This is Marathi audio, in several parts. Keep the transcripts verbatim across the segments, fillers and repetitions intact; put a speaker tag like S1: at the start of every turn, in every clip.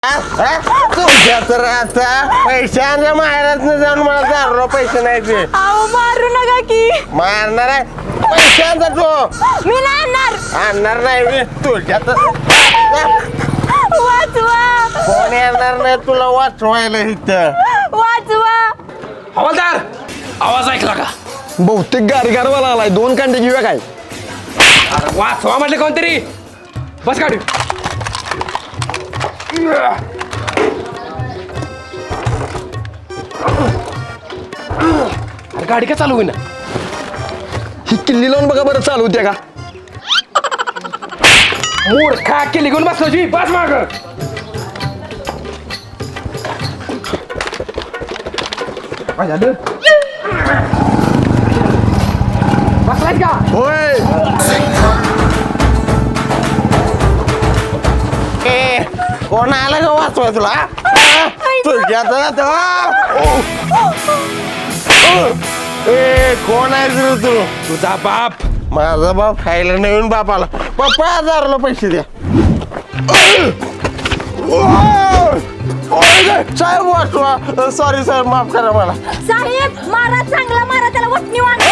S1: तुझ्या तर आता पैशांच्या माहेरात जाऊन मला दारू पैसे नाही ते
S2: अहो मारू नका की
S1: मारणार आहे पैशांचा तो
S2: मी नाही आणणार
S1: आणणार नाही मी तुझ्या तर
S2: वाचवा
S1: कोण येणार नाही तुला वाचवायला इथं
S2: वाचवा
S3: हवालदार आवाज ऐकला का?
S4: बहुतेक गारगारवाला आलाय. दोन कांडे घेऊया काय?
S3: अरे वाचवा म्हटलं कोणतरी. बस गाडी. अरे गाडी का चालू होईना?
S4: ही किल्ली लावून बघा बरं चालू होत्या का?
S3: मूर्खा केली घेऊन बसलो जी. बस माग. बसलाय का?
S4: होय.
S1: ए कोण आलं का वाचवाय तुला तुझ्या तर ए कोण आहे तुझं तू
S3: तुझा बाप.
S1: माझा बाप खायला नवीन बापाला पप्पा हजारला पैसे द्या साहेब वाचवा सॉरी साहेब माफ करा मला
S2: साहेब मारा चांगला मारा त्याला वटणी वाण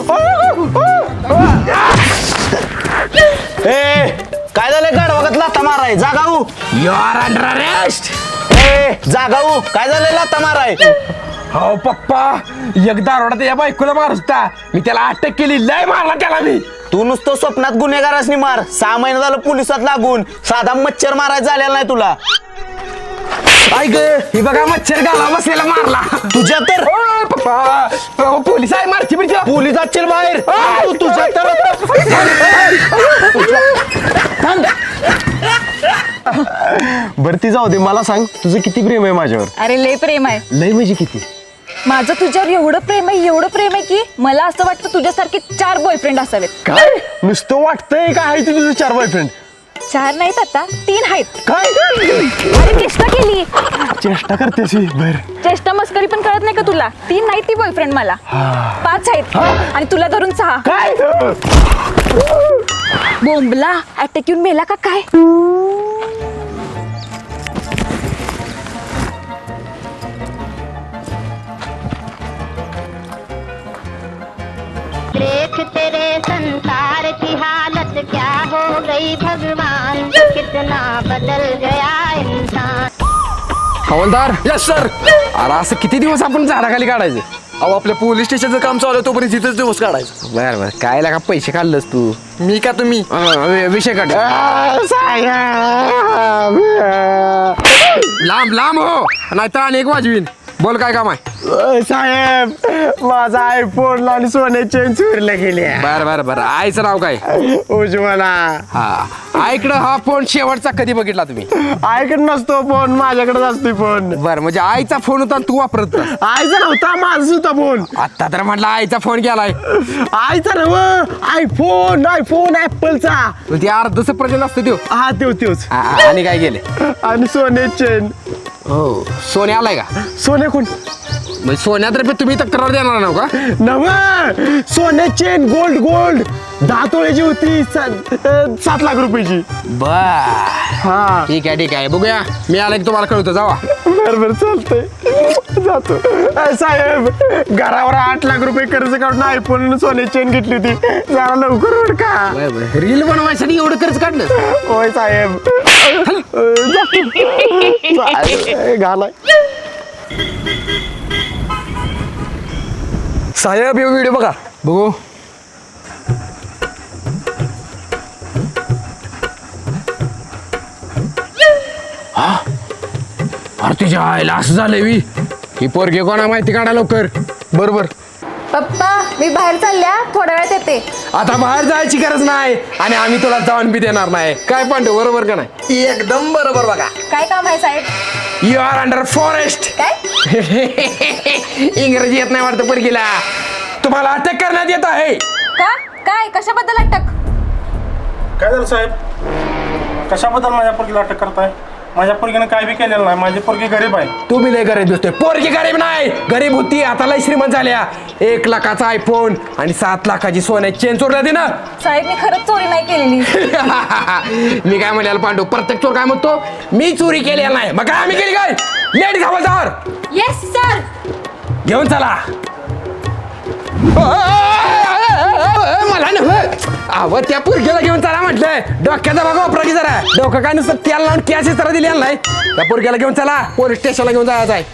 S4: ए काय झालं गाडवागत लाथा माराय? जागाऊ.
S3: You are under arrest.
S4: ए जागाऊ काय झालं लाथा माराय?
S3: हो पप्पा एकदा रोडा त्या बायकोला मारत होता. मी त्याला अटक केली. लय मारला त्याला मी.
S4: तू नुसतं स्वप्नात गुन्हेगारासनी मार. सहा महिने झालं पोलिसात लागून साधा मच्छर मारायचा झालेला नाही तुला.
S3: ऐक ही बघा मच्छर गाला बसलेला मारला.
S4: तुझ्या तर
S3: ओ, पप्पा अहो, पोलीस आहे मारची बिरची.
S4: पोलीस असतील बाहेर. तू तुझ्या तर बरं ती जाऊ दे. मला सांग तुझं किती प्रेम आहे माझ्यावर?
S2: अरे लय प्रेम आहे
S4: लय म्हणजे किती?
S2: माझं तुझ्यावर एवढं प्रेम आहे एवढं प्रेम आहे की मला असं वाटतं तुझ्यासारखे चार बॉयफ्रेंड असावेत.
S4: काय नुसतं वाटतंय का आहे तुझं चार बॉयफ्रेंड?
S2: चार नाहीत आता तीन आहेत.
S4: काय
S2: अरे चेष्टा केली
S4: चेष्टा करतेस बर.
S2: चेष्टा मस्करी पण कळत नाही का तुला? तीन नाही ती बॉयफ्रेंड मला पाच आहेत आणि तुला धरून सहा.
S4: काय
S2: बोंबला अटॅक येऊन मेला का काय?
S5: देख तेरे संसार की हालत क्या हो गई भगवान कितना बदल गया इंसान.
S3: हवालदार. Yes sir. अरे असं किती दिवस आपण झाडाखाली काढायचं?
S4: अहो आपल्या पोलीस स्टेशनचं काम चालू आहे तोपर्यंत तिथेच दिवस काढायचं.
S3: बर बर काय लागा पैसे काढलंस तू?
S4: मी का तुम्ही?
S3: अं, विषय काढ. लांब लांब हो नाहीतर अनेक वाजवीन. बोल काय काम आहे?
S1: साहेब माझा आयफोन आणि सोने चेन चोरीला गेले
S3: बर बर बर आईचं नाव काय?
S1: उज्ज्वला
S3: हा ऐकडं हा फोन शेवटचा कधी बघितला तुम्ही?
S1: आईकडे नसतो फोन माझ्याकडेच असतो फोन
S3: बर म्हणजे आईचा फोन होता आणि तू वापरत होतास.
S1: आईचा नव्हता माझा होता फोन
S3: आता तर म्हटलं आईचा फोन गेलाय.
S1: आईचा नव आयफोन आयफोन ऍपलचा
S3: ते अर्धच प्रजन असतं त्यो.
S1: हा तेव तेवच
S3: आ- आ- आणि काय गेले?
S1: आणि सोने चेन
S3: हो सोने आलाय का?
S1: सोने कोण
S3: म्हणजे सोन्यातर्फे तुम्ही तक्रार देणार ना का?
S1: नव सोने चेन गोल्ड गोल्ड दहा तोळ्याची होती सात अं, सात लाख रुपयाची.
S3: बर
S1: हा
S3: ठीक आहे ठीक आहे बघूया. मी आला की तुम्हाला कळवतो. जावा.
S1: बर बर चालतंय जातो. अं, साहेब घरावर आठ लाख रुपये कर्ज काढून आयफोन सोने चेन घेतली होती जरा लवकर उठ का.
S3: बर बर रील बनवायसाठी एवढं खर्च काढलं?
S1: होय साहेब अं, जातो. साहेब, घालाय
S4: साहेब हे व्हिडिओ बघा.
S3: बघू. हा अरे तुझ्या आईला असं झालंय वी. ही पोरगी कोणा माहिती काढा लवकर.
S4: बरोबर.
S2: पप्पा मी बाहेर चालल्या थोड्या वेळात येते.
S3: आता बाहेर जायची गरज नाही आणि आम्ही तुला जाऊन बी देणार नाही. काय पण बरोबर का नाही?
S4: एकदम बरोबर बघा.
S2: काय काम आहे साहेब?
S3: You are under forest.
S2: काय
S3: इंग्रजी येत नाही वाटतं पोरगीला. तुम्हाला अटक करण्यात येत आहे.
S2: का काय कशाबद्दल अटक?
S6: काय झालं साहेब? कशाबद्दल माझ्या पोरगीला अटक करताय? माझ्या पोरगीनं काय बी केलेलं नाही, माझी पोरगी गरीब आहे.
S3: तू बी लय गरीब दिसतोय. पोरगी गरीब नाही, गरीब होती आता लय श्रीमंत झाल्या. एक लाखाचा आयफोन आणि सात लाखाची सोन्याची चेन चोरल्या दे ना.
S2: साहेब मी खरंच चोरी नाही केलेली.
S3: मी काय म्हणाल पांडू, प्रत्येक चोर काय म्हणतो मी चोरी केली नाही, मग काय आम्ही केली काय? लेडीज हवालदार
S2: येस सर.
S3: घेऊन चला. मला नव्हे अव त्या पोरगीला घेऊन चला म्हटलंय. डोक्याचा बघा वापरा की जरा. डोकं काय नुसतं तेल लावून कॅश जरा दिली नाही. त्या पोरगीला घेऊन चला, पोलीस स्टेशनला घेऊन जायचं आहे.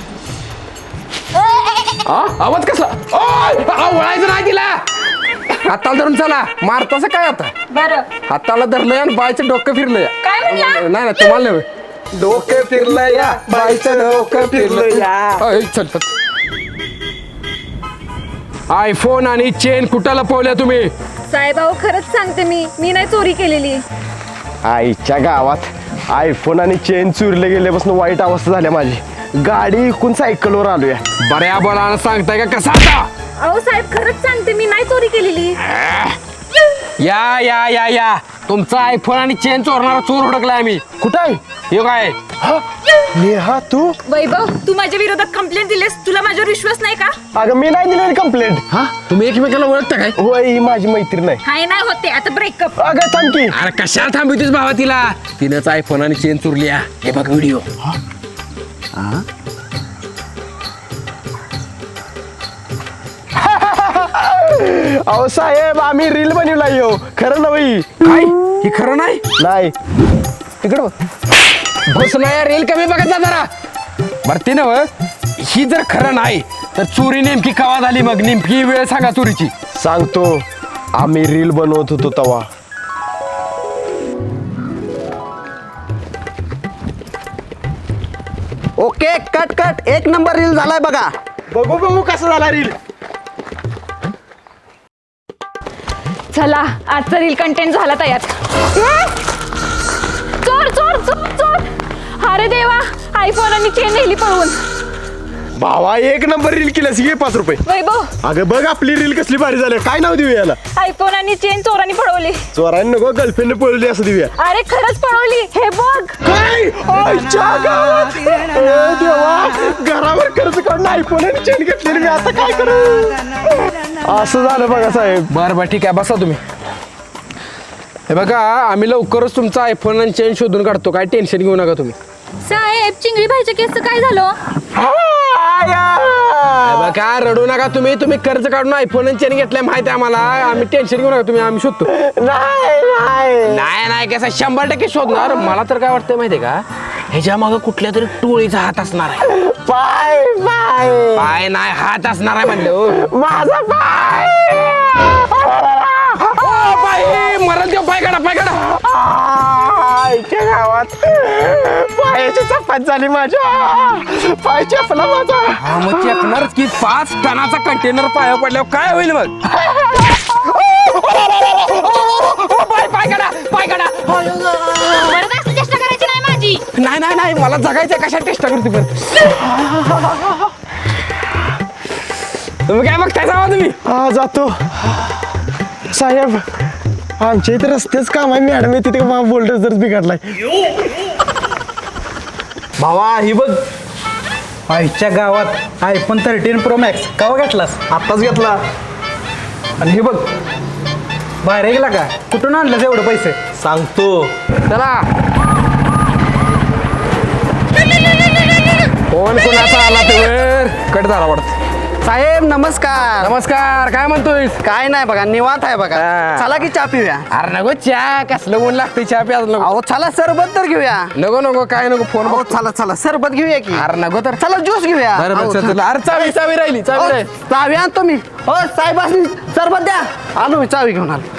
S3: हा आवाज कसला? ओय, आवळायचं नाही तिला. हाताला धरून चला. मारतास काय आता?
S2: बरं.
S3: हाताला धरलंय आणि बायचं डोकं फिरलंय.
S2: काय म्हणला?
S3: नाही नाही तुम्हाला नव्हे. डोकं फिरलंय या बायचं डोकं फिरलंय या. चल चल. आयफोन आणि चेन कुठं लपवल्या तुम्ही?
S2: साहेब अहो खरंच सांगते मी मी नाही चोरी केलेली.
S1: आईच्या गावात आयफोन आणि चेन चुरले गेल्यापासून वाईट अवस्था झाल्या माझी. गाडी इकून सायकलवर आलोय.
S3: बऱ्या बोलानं सांगताय का कसा आता?
S2: अहो साहेब खरंच सांगते मी नाही चोरी केलेली.
S3: या या या या तुमचा आयफोन आणि चेन चोरणारा चोर हुडकलाय आम्ही.
S1: कुठं आहे?
S3: हे काय?
S1: नेहा तू?
S2: वैभव तू माझ्या विरोधात कंप्लेंट दिलीस, तुला माझ्यावर विश्वास नाही का?
S1: अगं मी नाही दिलेली कंप्लेंट.
S3: हा तुम्ही एकमेकाला ओळखता काय?
S1: होय ही माझी मैत्रीण आहे.
S2: हाय नाही होते आता ब्रेकअप.
S1: अगं थांब की.
S3: अरे कशाला थांबवतीस भावा तिला? तिनंच आयफोन आणि चेन चोरल्या. हे बघ व्हिडिओ.
S1: अहो साहेब आम्ही रील बनवला यो. खरं नव्हे.
S3: काय हे खरं नाही?
S1: नाही तिकडं बघ.
S3: बस नाही रेल कमी बघत जा जरा. बरं ते नव ही जर खरं नाही तर चोरी नेमकी कवा झाली? मग नेमकी वेळ सांगा चोरीची.
S1: सांगतो. आम्ही रील बनवत होतो तवा.
S4: Okay cut cut. एक नंबर रील झालाय बघा.
S1: बघू बघू कसा झाला रील.
S2: चला आजचा रील कंटेंट झाला तयार. चोर चोर चोर चोर. अरे देवा आयफोन आणि चेन नेली पळवून.
S1: भावा एक नंबर रील केल्यास घे पाच रुपये.
S2: वैभव
S1: अगं बघ आपली रील कसली भारी झाली. काय नाव देऊ याला?
S2: आयफोन आणि चेन चोरांनी पळवली.
S1: चोरांनी नको गर्लफ्रेंड पळवली असं देऊया.
S2: अरे खरंच पळवली हे बघ.
S1: काय? आईच्या गावात. ए देवा घरावर कर्ज काढून आयफोन आणि चेन घेतलेली मी आता काय करू? असं झालं बघा साहेब.
S3: बरं बरं ठीक आहे बसा तुम्ही. हे बघा आम्ही लवकरच तुमचा आयफोन आणि चेन शोधून काढतो. काय टेन्शन घेऊ नका तुम्ही.
S2: साहेब चिंगडी भाईच्या केसचं काय झालं?
S3: हे बघा रडू नका तुम्ही. तुम्ही कर्ज काढून आयफोन आणि चेन घेतलाय माहिती आहे आम्हाला. आम्ही टेन्शन घेऊ नका तुम्ही. आम्ही शोधतो.
S1: नाही नाही
S3: नाही नाही कसं शंभर टक्के शोधणार. मला तर काय वाटतंय माहितीये का ह्याच्या मागं कुठल्या तरी टोळीचा हात असणार आहे.
S1: पाय पाय
S3: पाय नाही हात असणार आहे म्हणलं. ओ
S1: माझा पाय.
S3: पाय मरण देव. पाय काढा पाय काढा.
S1: आईच्या गावात पायाची चपात झाली माझ्या. पाय चपला माझा.
S3: हा मग चेपणारच की. पाच टनाचा कंटेनर पाया पडल्यावर काय होईल मग? पाय पाय काढा पाय काढा.
S2: चेष्टा करायची नाही माझी.
S3: नाही नाही नाही मला जगायचं. कशा टेस्ट करते पण तुम्ही काय बघताय जावा तुम्ही.
S1: हा जातो साहेब. आमच्या इथे रस्तेच काम आहे. मॅडम आहे तिथे बोल्डर जर बिघडलाय.
S7: भावा ही बघ आईच्या गावात आयफोन थर्टीन प्रो मॅक्स केव्हा घेतलास?
S1: आत्ताच घेतला.
S7: आणि हे बघ बाहेर गेला का? कुठून आणलं एवढं पैसे?
S1: सांगतो.
S3: चला कोण कोणाचा आला ते वर कट झाला वाटत.
S4: साहेब नमस्कार.
S3: नमस्कार. काय म्हणतोय?
S4: काय नाही बघा निवांत आहे बघा.
S3: हा.
S4: चला की चहा पिऊया.
S3: अरे नको चहा. कसलं ऊन लागते चहा प्याज नको.
S4: अहो चला सरबत तर घेऊया.
S3: नको नको काय नको फोन
S4: अहो चला चला सरबत घेऊया की.
S3: अरे नको तर.
S4: चला ज्यूस घेऊया.
S3: बरं
S4: अहो,
S3: बरं चल, चल. अरे चावी चावी राहिली चावी
S4: अहो,
S3: राहिली.
S4: चावी आणतो मी. हो साहेब सरबत द्या. आलो मी चावी घेऊन आलो.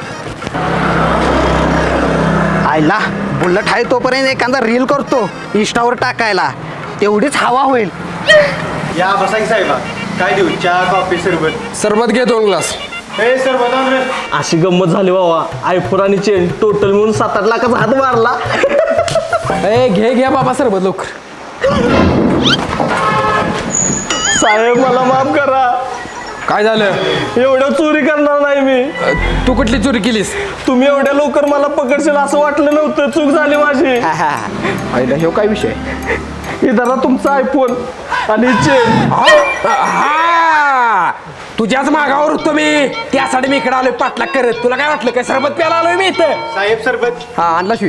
S4: आयला बुलेट आहे तोपर्यंत एखादा रील करतो इंस्टावर टाकायला. तेवढीच हवा होईल.
S1: या बसा की साहेब. काय देऊ? चहा कॉफी सरबत?
S3: सरबत घे दोन ग्लास.
S1: ए सरबत आण रे.
S8: अशी गंमत झाली बाबा. आयफोन आणि चेन टोटल मिळून सात आठ लाखाचा हात मारला.
S3: ए घे घ्या बाबा सरबत लवकर.
S1: साहेब मला माफ करा.
S3: काय झालं?
S8: एवढं चोरी करणार नाही मी.
S3: अ, तू कुठली चोरी केलीस?
S8: तुम्ही एवढ्या लवकर मला पकडशील असं वाटलं नव्हतं. चूक झाली माझी.
S3: आईला ह्यो काय विषय?
S8: हे धरा तुमचा आयफोन आणि चेन.
S3: हा तुझ्याच मागावर होतो मी. त्यासाठी मी इकडे आलोय पाठलाग करत. तुला काय वाटलं काय सरबत प्यायला आलोय मी इथं?
S1: साहेब सरबत.
S3: हा आणला शिवी.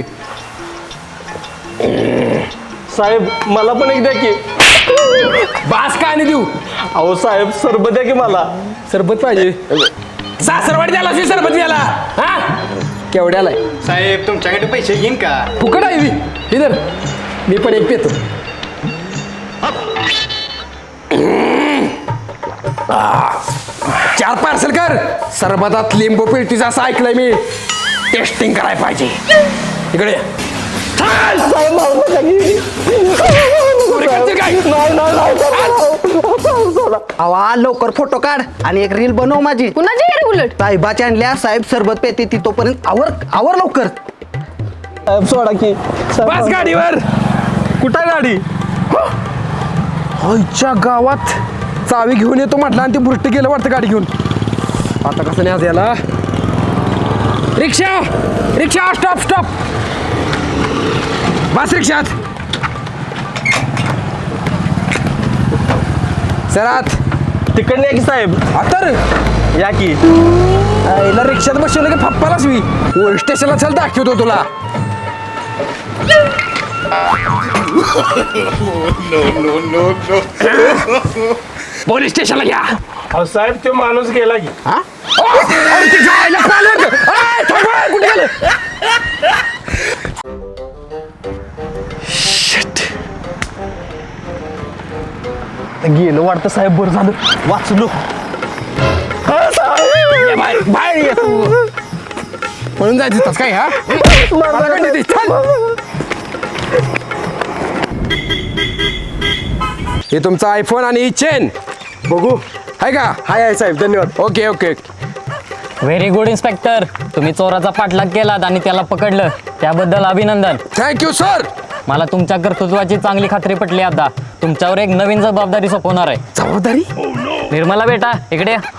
S8: साहेब मला पण एक द्या की.
S3: बास का आणि देऊ?
S8: अहो साहेब सरबत द्या की मला.
S3: सरबत पाहिजे. सासरवाडी द्याला शिवी सरबत द्याला. हा केवढ्याला आहे?
S1: साहेब तुमच्याकडे पैसे घेईन का?
S3: फुकट आहे मी. इधर मी पण एक पेतो. चार पार्सल कर. सरबतात लिंबू पिळतीचं असं ऐकलंय मी. टेस्टिंग करायला पाहिजे. इकडे ये. चल!
S8: साहेब मारू नका की.
S3: चोरी करते काय?
S8: नाही नाही नाही साहेब, सोडा.
S7: आवा लवकर फोटो काढ आणि एक रील बनव माझी.
S2: कुणाची घरी उलट
S7: साहेबाच्या आणल्या साहेब सरबत पेते ती तोपर्यंत आवर आवर लवकर.
S8: साहेब सोडा की. साहेब,
S3: बस गाडीवर.
S8: कुठं आहे गाडी?
S3: आईच्या गावात चावी घेऊन येतो म्हटलं आणि ते बुरट गेलं वाटतं गाडी घेऊन. आता कसं नाही आज याला. रिक्षा रिक्षा स्टॉप स्टॉप. बस रिक्षात. सरात
S8: तिकडनं या की साहेब.
S3: आता रे
S8: या की.
S3: याला रिक्षात बसवलं की फप्पालाच मी पोलीस स्टेशनला चल दाखवतो तुला. पोलीस स्टेशनला घ्या.
S6: अहो साहेब तो माणूस गेला की.
S3: हा? ओ, अरे ते जायला पाहिलं होतं. अरे, थांबा, कुठे गेलं? Shit.
S8: गेलं वाटतं साहेब. बरं झालं वाचलो.
S3: ये बाहेर बाहेर ये तू. पळून जायचं तिथंच काय हा? मला काय देते? चल. हे तुमचा आयफोन आणि ही चेन
S8: बघू.
S3: आहे का?
S8: हाय हाय साहेब धन्यवाद.
S3: Okay okay.
S9: Very good inspector. तुम्ही चोराचा पाठलाग केलात आणि त्याला पकडलं त्याबद्दल अभिनंदन.
S3: Thank you sir.
S9: मला तुमच्या कर्तृत्वाची चांगली खात्री पटली. आता तुमच्यावर एक नवीन जबाबदारी सोपवणार आहे.
S3: जबाबदारी?
S9: निर्मला बेटा इकडे या.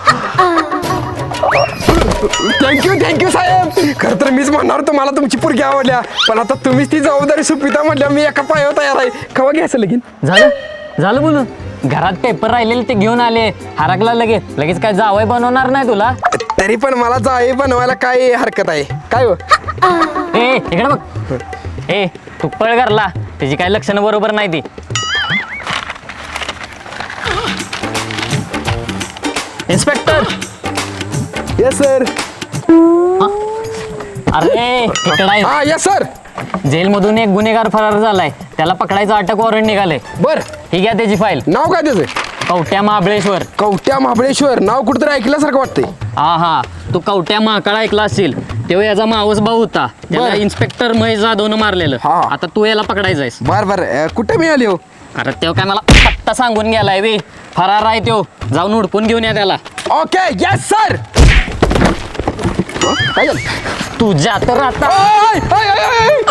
S3: थँक्यू थँक्यू साहेब. खरं तर मीच म्हणणार तुम्हाला तुमची पोरगी आवडल्या, पण आता तुम्हीच ती जबाबदारी सुपिता म्हटल्या मी एका पायावर तयार आहे. कवा घ्यायचं लगीन?
S9: झालं झालं बोलून. घरात पेपर राहिलेले ते घेऊन आले. हरकला लगेच लगेच काय जावई बनवणार नाही तुला.
S3: तरी पण मला जाई बनवायला काय हरकत आहे काय हो?
S9: ए इकडे बघ. ए तू पळ घरला. त्याची काही लक्षणं बरोबर नाही ती. इन्स्पेक्टर.
S3: Yes sir.
S9: अरे इकडे आहे.
S3: हा येस सर.
S9: जेलमधून एक गुन्हेगार फरार झालाय. त्याला पकडायचं अटक वॉरंट निघाले.
S3: बर
S9: ही घ्या त्याची फाईल.
S3: नाव काय त्याचं?
S9: कवट्या महाबळेश्वर.
S3: कवट्या महाबळेश्वर. नाव कुठेतरी ऐकल्यासारखं वाटतंय.
S9: हा हा तू कवट्या महाकाळ ऐकला असेल. तेव्हा याचा मावस भाऊ होता. त्याला
S3: बरं.
S9: इन्स्पेक्टर महेश जाधवनं मारलेलं.
S3: हा.
S9: आता तू याला पकडायचायस.
S3: बर बर अं, कुठे मिळाली हो?
S9: अरे तेव्हा काय मला पत्ता सांगून गेलाय वे. फरार आहे त्यो. जाऊन हुडकून घेऊन या त्याला.
S3: Okay yes sir. काय झालं?
S9: तुझ्या तर आता
S3: आय, आय, आय, आय.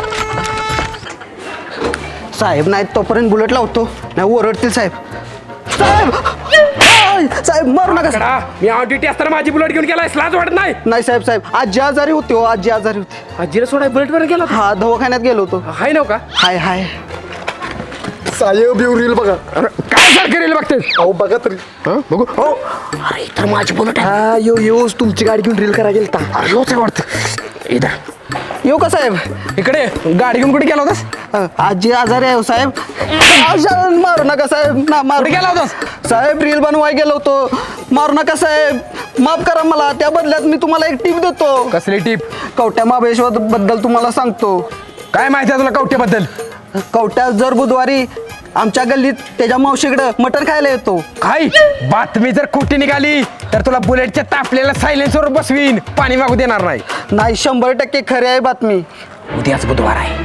S7: साहेब नाही तोपर्यंत बुलेट लावतो नाही ओरडतील साहेब. साहेब आय, साहेब मारू नका.
S3: कडा, मी ऑन ड्युटी असताना माझी बुलेट घेऊन गेलाय. लाज वाटत नाही?
S7: नाही साहेब साहेब आजी आजारी होती हो आजी आजारी होती.
S3: आजीला सोडाय बुलेट वर गेला
S7: हा दवाखान्यात गेलो होतो.
S3: हाय नव का?
S7: हाय हाय.
S1: साहेब येऊ रील बघा.
S3: अरे, काय सारखं रेल बघते?
S1: अहो बघा तरी.
S3: हं? बघू हो. अरे तर माझी बुलेट आहे.
S1: हा यो यो तुमची गाडी घेऊन रील करायला गेलता.
S3: अरे, ह्योच आहे वाटतं. इथं
S7: येऊ का साहेब?
S3: इकडे गाडी घेऊन कुठे गेला होतास?
S7: अ, आजी आजारी आहे हो साहेब. आजा, मारू नका साहेब ना मारू.
S3: कुठे गेला होतास?
S7: साहेब रील बनवाय गेलो होतो. मारू नका साहेब. माफ करा मला. त्या बदल्यात मी तुम्हाला एक टिप देतो.
S3: कसली टीप?
S7: कवट्या महाबळेश्वर बद्दल तुम्हाला सांगतो.
S3: काय माहिती आहे तुला कवट्याबद्दल?
S7: कवट्या जर बुधवारी आमच्या गल्लीत त्याच्या मावशीकडं मटण खायला येतो.
S3: काय बातमी जर खोटी निघाली तर तुला बुलेटच्या तापलेल्या सायलेन्सवर बसवीन. पाणी मागू देणार नाही.
S7: नाही शंभर टक्के खरी आहे बातमी.
S3: उद्याच बुधवार आहे.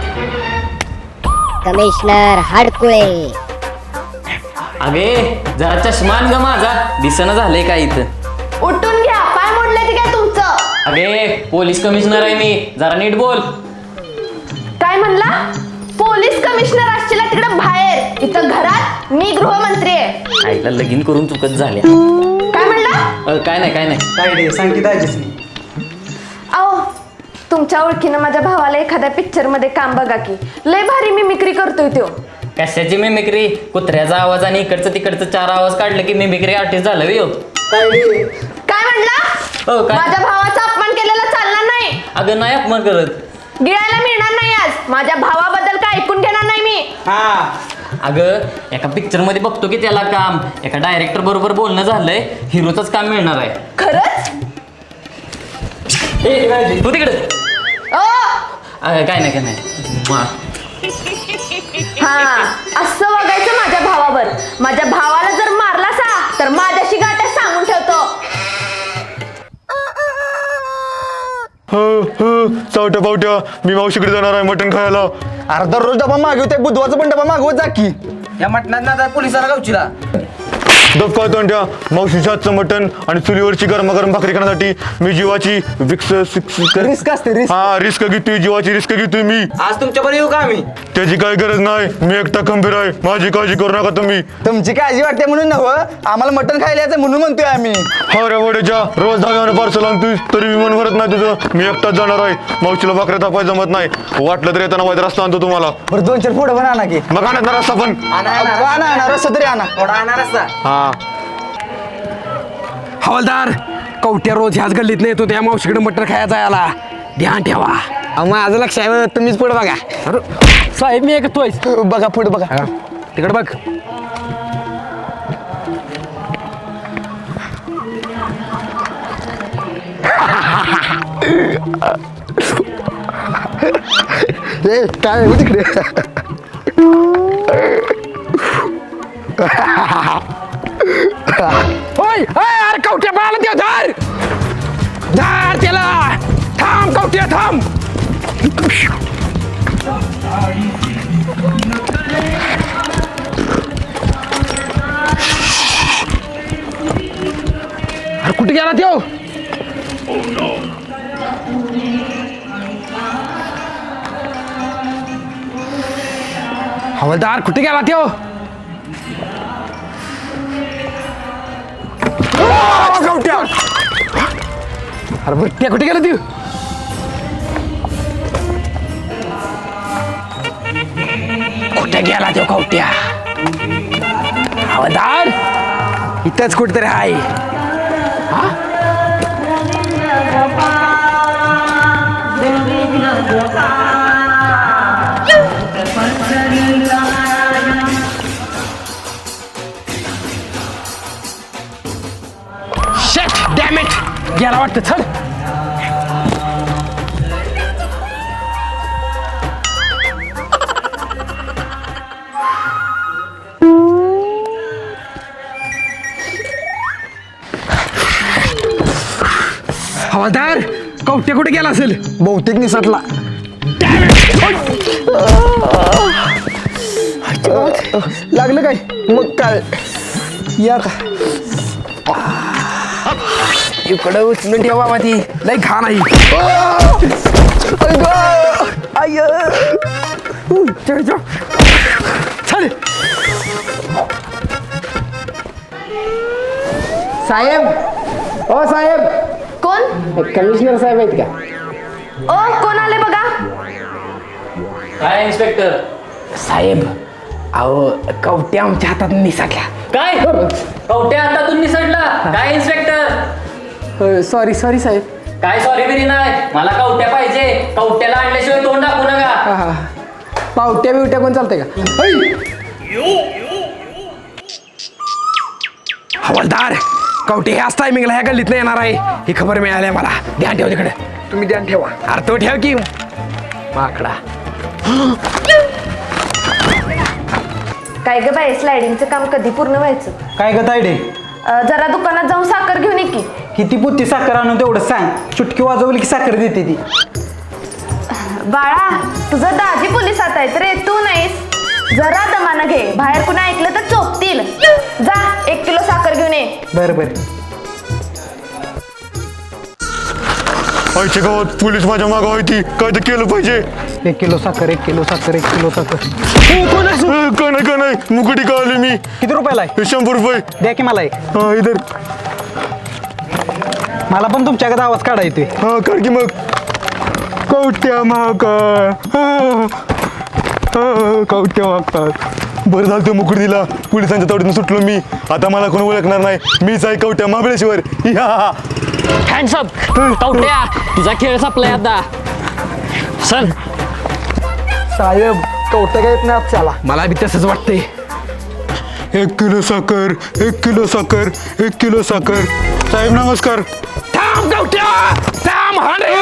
S5: कमिशनर हडकुळे.
S9: अगे जरा चष्मा आण ग माझा. दिसणं झालंय काय इथं.
S2: उठून घ्या. पाय मोडले ते काय तुमचं?
S9: अगे पोलीस कमिशनर आहे मी. जरा नीट बोल.
S2: काय म्हणला? पोलीस कमिशनर असशील तिकडे बाहेर. इथं घरात मी गृहमंत्री आहे.
S9: आईला लगीन करून चुकत झाल्या. अ, काय नाही काय नाही
S7: तायडे सांग की दाजीसनी.
S10: आओ तुमच्या ओळखीनं माझ्या भावाला एखाद्या पिक्चर मध्ये काम बघा की लय भारी मिमिक्री करतोय तो.
S9: कशाची मिमिक्री? कुत्र्याचा आवाज आणि इकडचं तिकडचं चार आवाज काढलं की मिमिक्री आर्टिस्ट झालं हो.
S7: तायडे
S10: काय म्हणला?
S9: हो काय?
S10: माझ्या भावाचा अपमान केलेला चालणार नाही.
S9: अगं नाही अपमान करत.
S10: गिळायला मिळणार नाही आज. माझ्या भावाबद्दल काय ऐकून घेणार नाही मी.
S7: हा
S9: अगं एका पिक्चर मध्ये बघतो की त्याला काम एका डायरेक्टर बरोबर बोलणं झालंय हिरोचंच काम मिळणार आहे.
S10: खरंच?
S9: ए, तू तिकडे
S10: ओ
S9: अगं काय नाही काय नाही मा.
S10: हा असं बघायचं माझ्या भावावर. माझ्या भावाला जर मारला सा तर माझ्याशी गाठ्या सांगून ठेवतो.
S1: चावट्या पावट्या मी मावशीकडे जाणार आहे मटण खायला.
S4: अरे दररोज डबा मागवते बुधवारचा पण डबा मागवत जा की.
S7: या मटणात ना पोलिसाला गावचीला.
S1: डब काय तोंड्या मावशीच्या हातचं मटण आणि चुलीवरची गरमागरम भाकरी खाण्यासाठी मी जीवाची विक्स
S4: रिस्क असते रिस्क.
S1: हा रिस्क घेतोय जीवाची रिस्क घेतोय मी.
S7: आज तुमच्याबरोबर येऊ का आम्ही?
S1: त्याची काही गरज नाही मी एकटा खंबीर आहे माझी काळजी करू नका तुम्ही.
S4: तुमची काळजी वाटते म्हणून नव्हं आम्हाला मटण खायला यायचं म्हणून म्हणतोय आम्ही.
S1: हावऱ्या वड्याच्या रोज धाव्याने पार्सल आणतोय तरी विमान भरत नाही तुझं. मी एकटाच जाणार आहे मावशीला भाकऱ्या तापाय जमत नाही. वाटलं तर येताना वाईट रस्ता आणतो तुम्हाला.
S4: बरं दोन चार पुढे पण आणा की.
S1: मग आणत ना रस्ता पण
S4: आणा आणा रस्ता तरी आणा.
S7: थोडा आणणार असता.
S1: हा
S3: हवालदार कवट्या रोज ह्याच गल्लीत नाही येतो त्या मावशीकडे मटर खायला जायला ध्यान ठेवा.
S4: माझं लक्ष आहे तुम्हीच पुढे बघा.
S3: अरे साहेब मी ऐकतोय.
S4: बघा पुढे बघा.
S3: तिकडे बघ.
S4: ए काय हो तिकडे.
S3: होय अरे कवट्या बाळाला देव धार धार त्याला. थांब कवट्या थांब. अरे कुठे गेला त्यो? हवालदार कुठे गेला त्यो? कवट्या अरे बरं कुठे गेला तू? कुठे गेला तो कवट्या? हवालदार इथंच कुठेतरी आहे. हा Shit, damn it! गेला वाटतं चल. हवालदार कवट्या कुठे गेला असेल?
S4: बहुतेक निसटला. लागलं काय? मग काय या का
S3: इकडं उचलून ठेवा माती लय घाण आहे.
S4: आय
S3: चल
S7: साहेब ओ साहेब
S10: कोण?
S7: कमिशनर साहेब आहेत का?
S10: ओ कोण आले बघा.
S9: काय इन्स्पेक्टर?
S3: साहेब अहो कवट्या आमच्या हातात निसटल्या.
S9: काय कवट्या हातातून निसटला? काय इन्स्पेक्टर?
S7: सॉरी सॉरी साहेब.
S9: काय सॉरी बिरी नाही मला कवट्या पाहिजे. कवट्याला आणल्याशिवाय तोंड दाखवू नका.
S7: पावट्या बिवट्या कोण चालतंय का?
S3: हवालदार कवटे ह्याच टायमिंगला ह्या गल्लीत येणार आहे ही खबर मिळाली मला. ध्यान ठेव तिकडे.
S7: तुम्ही ध्यान ठेवा.
S3: अरे तो ठेव की माकडा.
S10: काय ग बाई स्लायडिंगचं काम कधी पूर्ण व्हायचं?
S7: काय ग तायडे
S10: अं, जरा दुकानात जाऊन साखर घेऊन ये की.
S7: किती पुत्ती साखर आणून तेवढं सांग. चुटकी वाजवली की साखर देते ती.
S10: बाळा तुझं दाजी पोलिसात आहेत रे तू नाहीस. जरा दमानं घे बाहेर कुणा ऐकलं तर चोपतील. जा एक किलो साखर घेऊन ये.
S7: बरं बरं.
S1: आईच्या गावात पोलीस माझ्या मागं होती काय तर केलं पाहिजे.
S7: एक किलो साखर एक किलो साखर एक किलो साखर.
S1: का नाही का नाही मुकटी का आली मी.
S7: किती रुपयाला आहे?
S1: शंभर रुपये
S7: द्या की मला एक.
S1: हा इधर.
S7: मला पण तुमच्याकडे आवाज काढा येते.
S1: हा काढ की मग. कवट्या महाकाळ कवट्या महाकाळ. बरं झालं तो मुकुट दिला, पोलिसांच्या तावडीतून सुटलो मी. आता मला कोण ओळखणार नाही, मीच आहे कवट्या महाबळेश्वर. या
S9: हँडसअप कवट्या, तुझा खेळ संपलाय आता. चल.
S7: साहेब कवट्या काय येत नाही आजच्याला.
S3: मला बी तसंच वाटतंय.
S1: एक किलो साखर, एक किलो साखर, एक किलो साखर. साहेब नमस्कार.
S3: थांब कवट्या, थांब. हाणे.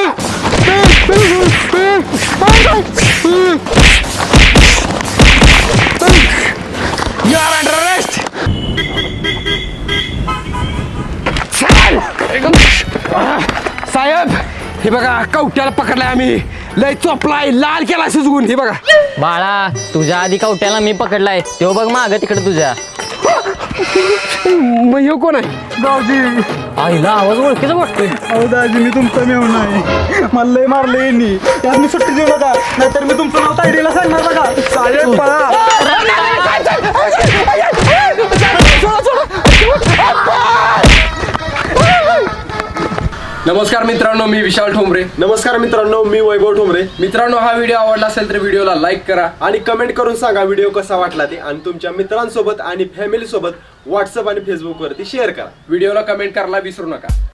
S3: You are under arrest. चल. साहेब हे बघा कवट्याला पकडलाय आम्ही. लय चोपलाय, लाल केला सुजवून. हे बघा.
S9: बाळा तुझ्या आधी कवट्याला मी पकडलाय, तो बघ माग तिकडे तुझ्या.
S3: मग ह्यो कोण आहे?
S7: दाजी.
S9: आईला आवाज ओळखीचा वाटतोय.
S7: अहो दाजी मी तुमचा मेहून आहे. मला लय मारलं यांनी. यात मी सुट्टी देऊ नका, नाहीतर मी तुमचं नाव तायडीला सांगणार बघा. साहेब पळा.
S3: नमस्कार मित्रांनो, मी विशाल ठोंबरे.
S8: नमस्कार मित्रांनो, मी वैभव ठोंबरे.
S3: मित्रांनो हा व्हिडिओ आवडला असेल तर व्हिडिओला लाईक करा
S8: आणि कमेंट करून सांगा व्हिडिओ कसा वाटला ते, आणि तुमच्या मित्रांसोबत आणि फॅमिली सोबत व्हॉट्सअप आणि फेसबुक वरती शेअर करा.
S3: व्हिडिओला कमेंट करायला विसरू नका.